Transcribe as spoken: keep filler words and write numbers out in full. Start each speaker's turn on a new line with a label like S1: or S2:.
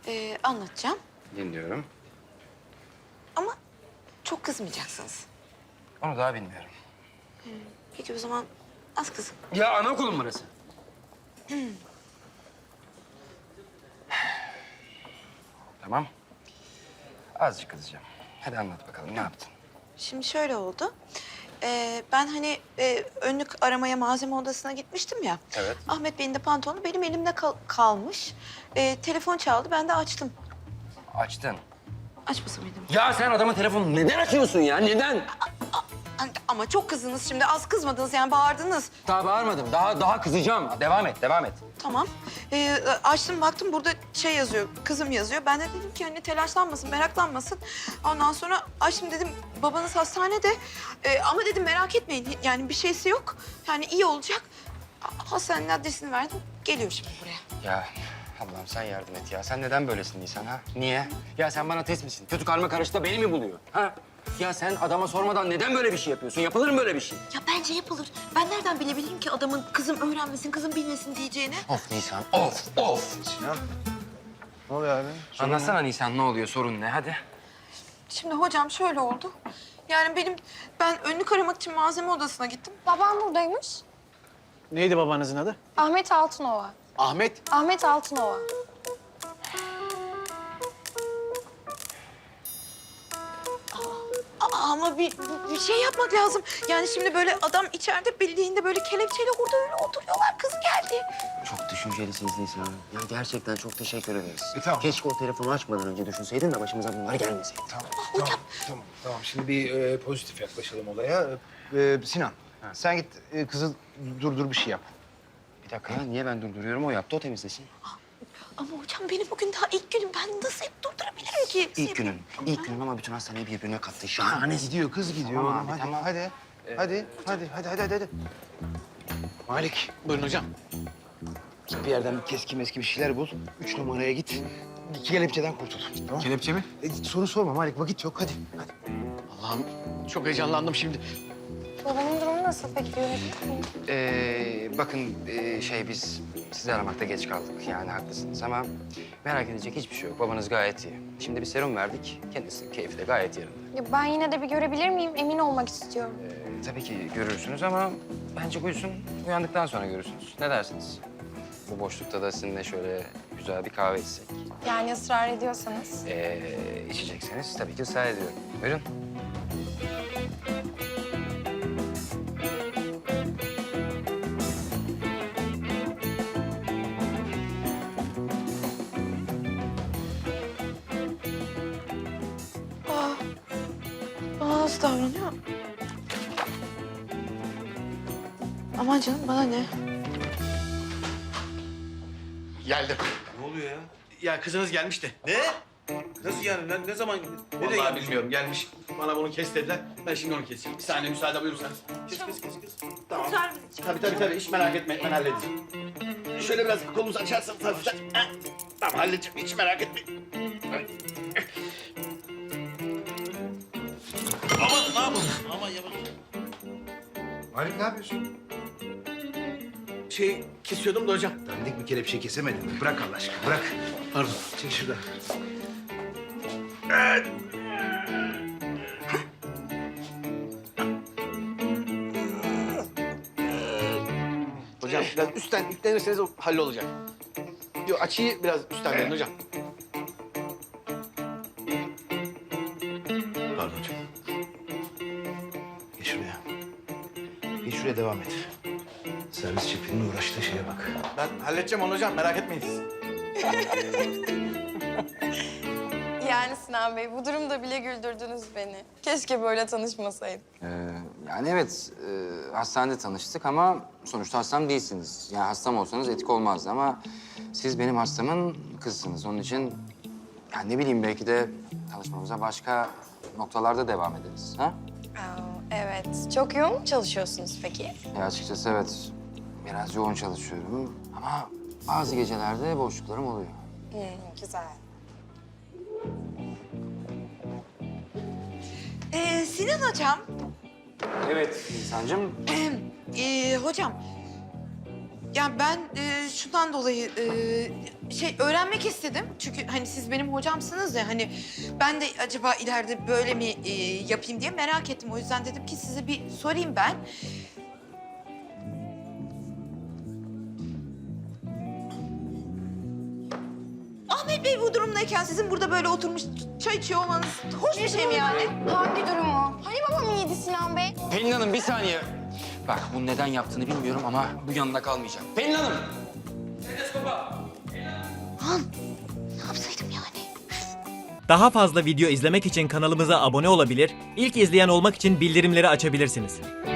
S1: Ee, anlatacağım
S2: Dinliyorum.
S1: ama çok kızmayacaksınız.
S2: Onu daha bilmiyorum.
S1: Peki o zaman az kızın.
S2: Ya anaokulun burası. Tamam. Azıcık kızacağım. Hadi anlat bakalım ne yaptın?
S1: Şimdi şöyle oldu. Ee, ben hani e, önlük aramaya malzeme odasına gitmiştim ya.
S2: Evet.
S1: Ahmet Bey'in de pantolonu benim elimde kal- kalmış. Ee, telefon çaldı, ben de açtım.
S2: Açtın.
S1: Açmasa mıydım?
S2: Ya sen adama telefonu neden açıyorsun ya? Neden?
S1: Ama çok kızdınız şimdi, az kızmadınız yani, bağırdınız.
S2: Daha bağırmadım. Daha daha kızacağım. Devam et, devam et.
S1: Tamam. Ee, açtım, baktım burada şey yazıyor, kızım yazıyor. Ben de dedim ki hani telaşlanmasın, meraklanmasın. Ondan sonra açtım, dedim babanız hastanede. Ee, ama dedim merak etmeyin, yani bir şeysi yok. Yani iyi olacak. Hastanenin adresini verdim, geliyor şimdi buraya.
S2: Ya Allah'ım sen yardım et ya. Sen neden böylesin Nisan ha? Niye? Ya sen bana test misin? Kötü karma karışta beni mi buluyor? Ha? Ya sen adama sormadan neden böyle bir şey yapıyorsun? Yapılır mı böyle bir şey?
S1: Ya bence yapılır. Ben nereden bilebilirim ki adamın kızım öğrenmesin, kızım bilmesin diyeceğini?
S2: Of Nisan, of, of.
S3: Sinan. Ne oluyor abi?
S2: Anlatsana Nisan ne oluyor, sorun ne? Hadi.
S1: Şimdi hocam şöyle oldu. Yani benim, ben önlük aramak için malzeme odasına gittim.
S4: Babam buradaymış.
S3: Neydi babanızın adı?
S4: Ahmet Altınova.
S3: Ahmet.
S4: Ahmet Altınova.
S1: Aa, ama bir, bir şey yapmak lazım. Yani şimdi böyle adam içeride bildiğinde böyle kelepçeyle orada öyle oturuyorlar. Kız geldi.
S2: Çok düşüncelisiniz Nisan Hanım. Ya gerçekten çok teşekkür ederiz.
S3: E, tamam.
S2: Keşke o telefonu açmadan önce düşünseydin de başımıza bunlar gelmeseydi.
S3: Tamam,
S1: hocam.
S3: Tamam, tamam, tamam. Şimdi bir e, pozitif yaklaşalım olaya. E, Sinan, sen git e, kızı durdur bir şey yap.
S2: Bir dakika ya, niye ben durduruyorum? O yaptı, o temizlesin.
S1: Ama hocam benim bugün daha ilk günüm. Ben nasıl hep durdurabilirim ki?
S2: İlk günün, ilk günün ama bütün hastaneyi birbirine kattı. Şahane.
S3: Gidiyor, kız gidiyor.
S2: Tamam
S3: oğlum.
S2: abi,
S3: hadi,
S2: tamam.
S3: hadi, hadi, hadi, hadi, hadi, hadi, hadi. Malik, buyurun hocam. Bir yerden bir keski meski bir şeyler bul. Üç numaraya git. İki kelepçeden kurtul. Tamam.
S5: Kelepçe mi?
S3: E, soru sorma Malik, vakit yok. Hadi, hadi.
S5: Allah'ım çok heyecanlandım şimdi.
S4: Babamın durumu nasıl peki görebilir miyim?
S2: Ee, bakın ee, şey biz sizi aramakta geç kaldık. Yani haklısınız ama merak edecek hiçbir şey yok. Babanız gayet iyi. Şimdi bir serum verdik. Kendisi keyfi de gayet yerinde.
S4: Ya ben yine de bir görebilir miyim? Emin olmak istiyorum.
S2: Ee, tabii ki görürsünüz ama bence uyusun. Uyandıktan sonra görürsünüz. Ne dersiniz? Bu boşlukta da sizinle şöyle güzel bir kahve içsek.
S4: Yani ısrar ediyorsanız.
S2: Ee, içecekseniz tabii ki ısrar ediyorum. Buyurun.
S1: Aa, bana nasıl davranıyor? Aman canım, bana ne?
S5: Geldim.
S6: Ne oluyor ya?
S5: Ya kızınız gelmiş de.
S6: Ne? Nasıl yani? Ne, ne zaman? Nereye
S5: Vallahi
S6: gelmiş?
S5: bilmiyorum gelmiş. Bana bunu kes dediler. Ben şimdi onu keseceğim. Bir saniye müsaade buyursanız.
S6: Kız kız kız kız. Tamam.
S5: Tabii tabii tabii hiç merak etme ben halledeceğim. Şöyle biraz kolunuzu açarsanız hafiften. Ha, tamam halledeceğim hiç merak etmeyin.
S6: Aman ne yapalım? Aman yavaş.
S3: Malik ne yapıyorsun?
S5: Şey kesiyordum da hocam.
S3: Dandik bir kelepçe kesemedin mi? Bırak Allah aşkına, bırak.
S5: Pardon.
S3: Çek şurada.
S5: Hocam biraz üstten yüklenirseniz o hallolacak. Yok açıyı biraz üstten verin hocam.
S6: Pardon hocam.
S3: Geç şuraya. Geç şuraya, devam et. Servis şefinin uğraştığı şeye bak.
S5: Ben halledeceğim onu hocam merak etmeyin siz.
S4: Yani Sinan Bey bu durumda bile güldürdünüz beni. Keşke böyle tanışmasaydık.
S2: Ee, yani evet, e, hastanede tanıştık ama sonuçta hastam değilsiniz. Yani hastam olsanız etik olmazdı ama siz benim hastamın kızsınız. Onun için yani ne bileyim belki de tanışmamıza başka noktalarda devam ederiz. Ha?
S4: Aa, evet. Çok yoğun mu çalışıyorsunuz peki?
S2: Ya açıkçası evet, biraz yoğun çalışıyorum ama bazı gecelerde boşluklarım oluyor.
S4: Hmm, güzel.
S1: Ee, Sinan hocam,
S2: Evet İnsancığım.
S1: ee, hocam. Ya ben e, şundan dolayı e, şey öğrenmek istedim. Çünkü hani siz benim hocamsınız ya hani ben de acaba ileride böyle mi e, yapayım diye merak ettim. O yüzden dedim ki size bir sorayım ben. Ahmet Bey bu durumdayken sizin burada böyle oturmuş çay içiyor olmanız hoş bir şey mi yani?
S4: Hangi durumu? Hani babam iyiydi Sinan Bey?
S2: Pelin Hanım bir saniye. Bak bunu neden yaptığını bilmiyorum ama bu yanında kalmayacak. Pelin Hanım!
S1: Ne yapsaydım yani?
S7: Daha fazla video izlemek için kanalımıza abone olabilir, ilk izleyen olmak için bildirimleri açabilirsiniz.